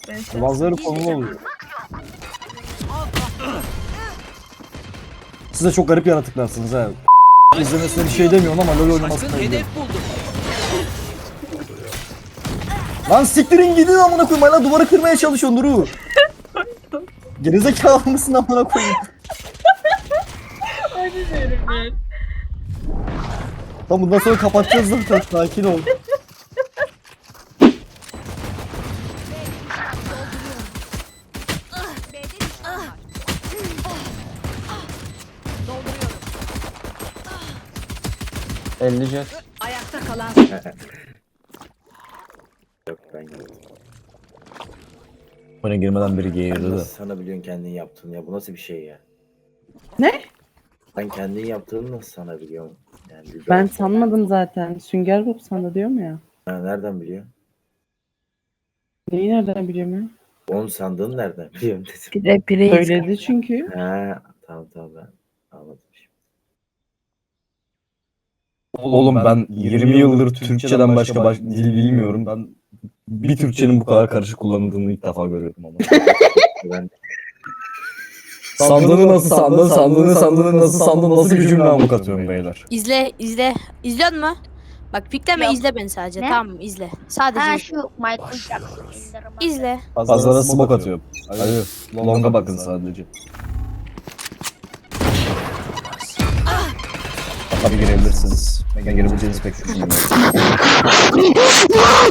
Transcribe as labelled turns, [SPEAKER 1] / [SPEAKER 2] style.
[SPEAKER 1] Bazıları konulu oluyor. Siz de çok garip yaratıklarsınız ha. İzlemesine bir şey demiyorum ama LoL oynamasına
[SPEAKER 2] Şaşkın
[SPEAKER 1] gidiyorum.
[SPEAKER 2] hedef buldum.
[SPEAKER 1] Lan siktirin gidin amına koyayım. Hala duvarı kırmaya çalışıyorsun Duru. Gerizekalı mısın amına koyayım?
[SPEAKER 3] Hadi diyorum ben.
[SPEAKER 1] Tamam bundan sonra kapatacağız zaten. Sakin ol.
[SPEAKER 4] Ayakta kalan
[SPEAKER 5] Yok ben yaptım.
[SPEAKER 1] Bana girmeden biri
[SPEAKER 5] Sen
[SPEAKER 1] geğirdi de.
[SPEAKER 5] nasıl sana biliyorsun kendin yaptığını ya? Bu nasıl bir şey ya?
[SPEAKER 6] Ne?
[SPEAKER 5] Ben kendin yaptığını nasıl sana biliyorum? Yani
[SPEAKER 6] Ben sanmadım zaten. Sünger Bob sandı diyorum ya.
[SPEAKER 5] Ha, nereden biliyor?
[SPEAKER 6] Neyi nereden biliyorum ya?
[SPEAKER 5] Onun sandığını nereden biliyorum dedim.
[SPEAKER 4] bir de bireyi
[SPEAKER 6] Söyledi çünkü.
[SPEAKER 5] Ha, tamam ben anladım şimdi.
[SPEAKER 1] Oğlum ben 20 yıldır Türkçeden başka dil bilmiyorum. Ben bir Türkçenin bu kadar karışık kullanıldığını ilk defa görüyorum ama.
[SPEAKER 5] Ben
[SPEAKER 1] Sandığını nasıl sandın, sandığını nasıl sandın, nasıl bir cümle amık atıyorum beyler.
[SPEAKER 7] İzle. İzliyor musun? Bak pikleme
[SPEAKER 8] Yok.
[SPEAKER 7] izle beni sadece.
[SPEAKER 8] Ne?
[SPEAKER 7] Tamam mı? İzle. Sadece
[SPEAKER 8] Ha
[SPEAKER 7] izle.
[SPEAKER 8] şu Michael Jackson.
[SPEAKER 7] İzle.
[SPEAKER 1] Pazara smoke atıyorum. Hadi longa bakın sadece. Tabii girebilirsiniz. Ben girebileceğinizi pek düşünmüyorum.